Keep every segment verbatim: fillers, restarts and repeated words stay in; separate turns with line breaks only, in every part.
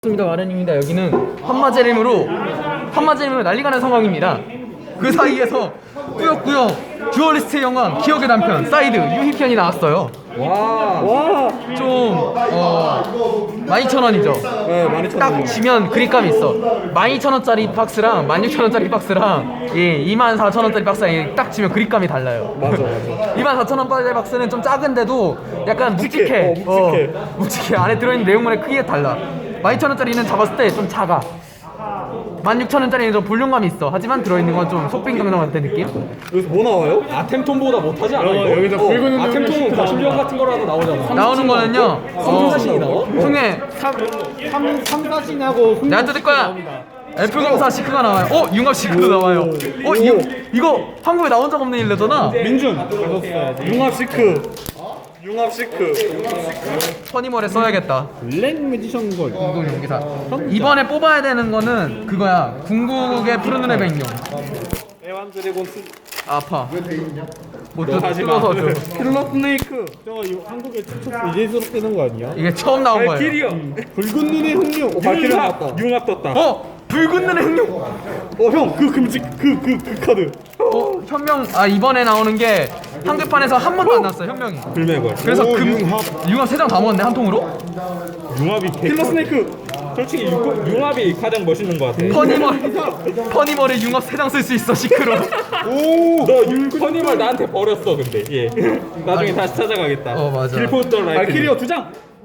반갑습니다. 마련입니다. 여기는 한마제림으로 한마제림으로 난리가는 상황입니다. 그 사이에서 꾸역꾸역 듀얼리스트의 영광 기억의 단편 사이드 유희편이 나왔어요.
와, 와,
좀 어, 만 이천 원이죠.
네, 만 이천 원.
딱 지면 그립감이 있어. 만 이천 원짜리 박스랑 만 육천 원짜리 박스랑 예, 이만 사천 원짜리 박스랑 딱 지면 그립감이 달라요.
맞아, 맞아.
이만 사천 원짜리 박스는 좀 작은데도 약간 묵직해.
묵직해. 어, 묵직해.
어, 묵직해. 안에 들어있는 내용물의 크기가 달라. 만 이천 원짜리는 잡았을 때 좀 작아. 만 육천 원짜리는 좀 볼륨감이 있어. 하지만 들어있는 건 좀 속빈강정 같은 느낌?
여기서 뭐 나와요?
아템톤보다 못하지 않아? 이거?
여기서
어,
붉은
아템톤은 거침병 같은 거라도 나오잖아.
나오는 거는요.
성사신이 나와?
흥에
삼사신하고
내가 뜯을 거야. F검사 시크가 나와요. 어? 융합 시크도 나와요. 어? 이, 이거 한국에 나온 적 없는 일레잖아.
민준 융합 시크 융합 시크
퍼니멀에 써야겠다.
블랙 매지션 걸
궁극 용기사. 이번에 뽑아야 되는 거는 그거야. 궁극의 푸른 눈의 백룡.
에완 드래곤 스
아파. 못 뜯-
하지마.
뜯어서 줘.
킬러 스네이크 저거 이거 한국에 최초 이제스럽게 되는 거 아니야?
이게 처음 나온 거예요.
발키리어.
붉은 눈의 흑룡 어, 발키리 나왔다.
융합 떴다.
어? 붉은 눈의 흑룡.
어형 그 금지 그그 그 카드
어? 현명. 아 이번에 나오는 게 한글판에서 한 번도 안 나왔어. 현명이.
불매걸.
그래서
오,
금
융합.
융합 세 장 다 먹었네 한 통으로.
융합이 킬러 스네이크
솔직히 융- 융합이 가장 멋있는 것 같아.
퍼니멀 퍼니멀에 융합 세 장 쓸 수 있어 시크로.
오
너 융커님을 나한테 버렸어 근데. 예. 나중에 다시 찾아가겠다.
어, 맞아.
길포더 라이트.
발키리어 두장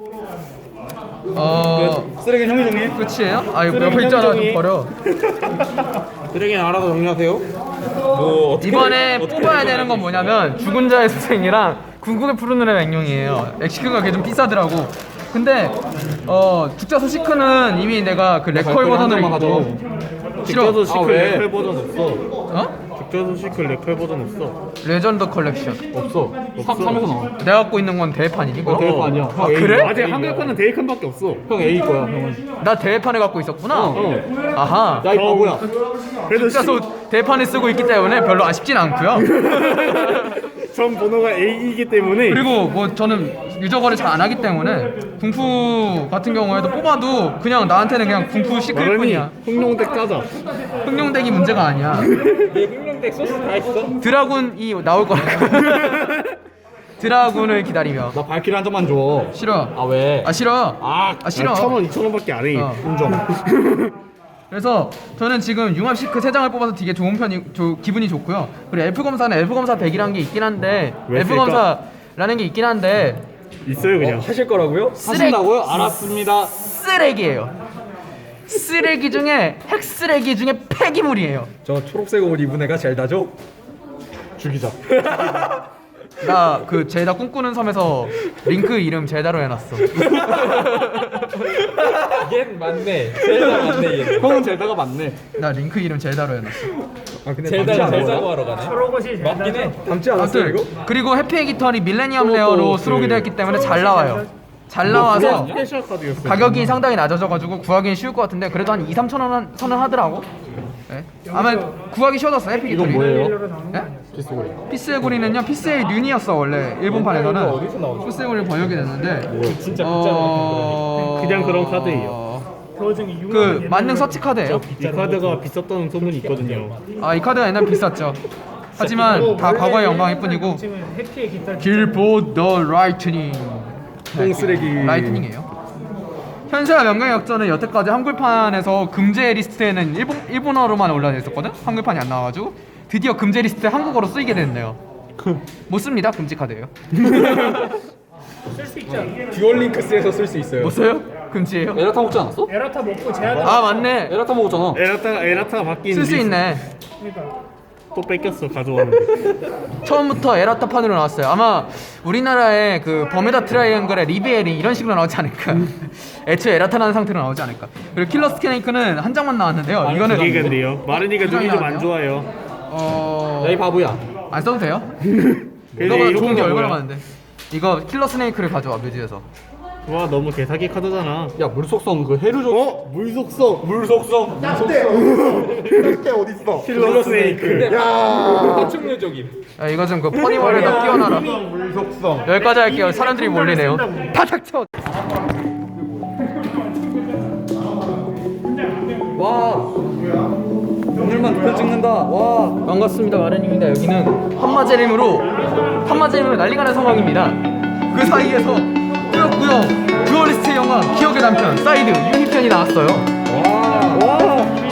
어
쓰레기 형이 정리
끝이에요? 아 이거
쓰레기
옆에 있잖아 좀
현정이.
버려.
쓰레기는 알아서 정리하세요.
뭐 어떻게
이번에
어떻게
뽑아야
해야
되는 건 뭐냐면 죽은 자의 수생이랑 궁극의 푸른 눈의 백룡이에요. 엑시크가 걔 좀 비싸더라고. 근데 어 죽자 소시크는 이미 내가 그 레컬 버전을 입고 싫어.
직저도 시클
아, 왜?
레컬 버전 없어.
어?
직저도 시클 레컬 버전 없어.
레전드 컬렉션.
없어.
삼에서 나와.
내가 갖고 있는 건 대회판이니? 그럼?
대회판 아니야.
아,
형 A.
그래?
아직 한글판은 대회판밖에 없어. 형 A 거야, 형은.
나 대회판을 갖고 있었구나.
어.
아하.
야, 이 바보야. 그래도
죽자 소 대회판을 쓰고 있기 때문에 별로 아쉽진 않고요.
전 번호가 A이기 때문에
그리고 뭐 저는 유저 거래 잘 안 하기 때문에 궁푸 같은 경우에도 뽑아도 그냥 나한테는 그냥 궁푸 시클
마련이
뿐이야.
흑룡덱 짜자.
흑룡덱이 문제가 아니야.
내 흑룡덱 소스 다 있어?
드라군이 나올 거라고. 드라군을 기다리며.
나 발키리 한 장만 줘.
싫어.
아 왜?
아 싫어.
아,
아, 싫어.
천 원, 이천 원밖에 안 해.
어.
인정.
그래서 저는 지금 융합 시크 세 장을 뽑아서 되게 좋은 편이 조, 기분이 좋고요. 그리고 엘프 검사는 엘프 검사 백이라는 게 있긴 한데
왜
엘프
쓸까?
검사라는 게 있긴 한데
있어요, 그냥.
하실 거라고요?
쓰레기,
하신다고요? 알았습니다.
쓰레기예요. 쓰레기 중에 핵쓰레기 중에 폐기물이에요.
저 초록색 옷 입은 애가 젤다죠?
죽이자.
나 그 제다 꿈꾸는 섬에서 링크 이름 제다로 해놨어.
얘 맞네. 젤다 맞네 얘.
형은 젤다가 맞네.
나 링크 이름 제다로 해놨어.
아, 근데
젤다
닮지 않아?
젤다고 하러 가네. 맞긴 해.
닮지 않았어요,
아무튼
이거?
그리고 해피 에기턴이 밀레니엄
또
레어로
그-
수록이 되었기 때문에 잘 나와요. 잘 나와서
스페셜 카드였어요.
가격이 상당히 낮아져가지고 구하기는 쉬울 것 같은데 그래도 한 이, 삼천 원 선은 하더라고. 네. 아마 구하기 쉬워졌어 해피
이건
에기턴이.
뭐예요?
네?
피스고리.
피스에고리는요 피스의 륜이었어 원래 일본판에서는.
어디서 나오죠?
피스에고리 번역이 됐는데
진짜
어...
그냥 그런 카드예요.
그 만능 서치 카드예요.
이 카드가 비쌌다는 소문이 있거든요.
아 이 카드가 옛날 비쌌죠. 하지만 다 과거의 영광일 뿐이고. 길보 더 라이트닝.
똥쓰레기.
라이트닝이에요. 현세와 명강의 역전은 여태까지 한글판에서 금제 리스트에는 일본, 일본어로만 올라져 있었거든? 한글판이 안 나와가지고 드디어 금제 리스트에 한국어로 쓰이게 됐네요. 못 씁니다. 금지 카드예요.
듀얼링크스에서 쓸 수 있어요.
못 써요? 금지예요?
에라타 먹지 않았어?
에라타 먹고 제한
아 맞네.
에라타 먹었잖아.
에라타가 에라타가 바뀐
쓸 수
리스트.
있네.
또 뺏겼어 가져왔는데.
처음부터 에라타판으로 나왔어요. 아마 우리나라의 그 버뮤다 트라이앵글의 리베엘이 이런 식으로 나오지 않을까. 애초에 에라타라는 상태로 나오지 않을까. 그리고 킬러 스네이크는 한 장만 나왔는데요. 이거는
이게 근데요. 마른이가 눈이 좀 안 좋아요.
어...
야이 바보야.
안 써도 돼요?
그래서
이거가
이거
좋은 게
뭐야?
얼마나 많은데. 이거 킬러 스네이크를 가져와 뮤지에서.
와 너무 개사기 카드잖아.
야 물속성 그 해류족.
어? 물속성.
물속성.
그때 어딨어? 킬러 스네이크. 야.
파충류적임.
야, 이거 좀 그 퍼니멀에다 끼워놔라.
물속성.
여기까지 할게요. 사람들이 몰리네요. 다 닥쳐.
찍는다 글 찍는다 와
반갑습니다 마련입니다. 여기는 한마제림으로 한마제림으로 난리가 난 상황입니다. 그 사이에서 꾸역꾸역 듀얼리스트의 영광 기억의 남편 사이드 유니편이 나왔어요.
와.
와.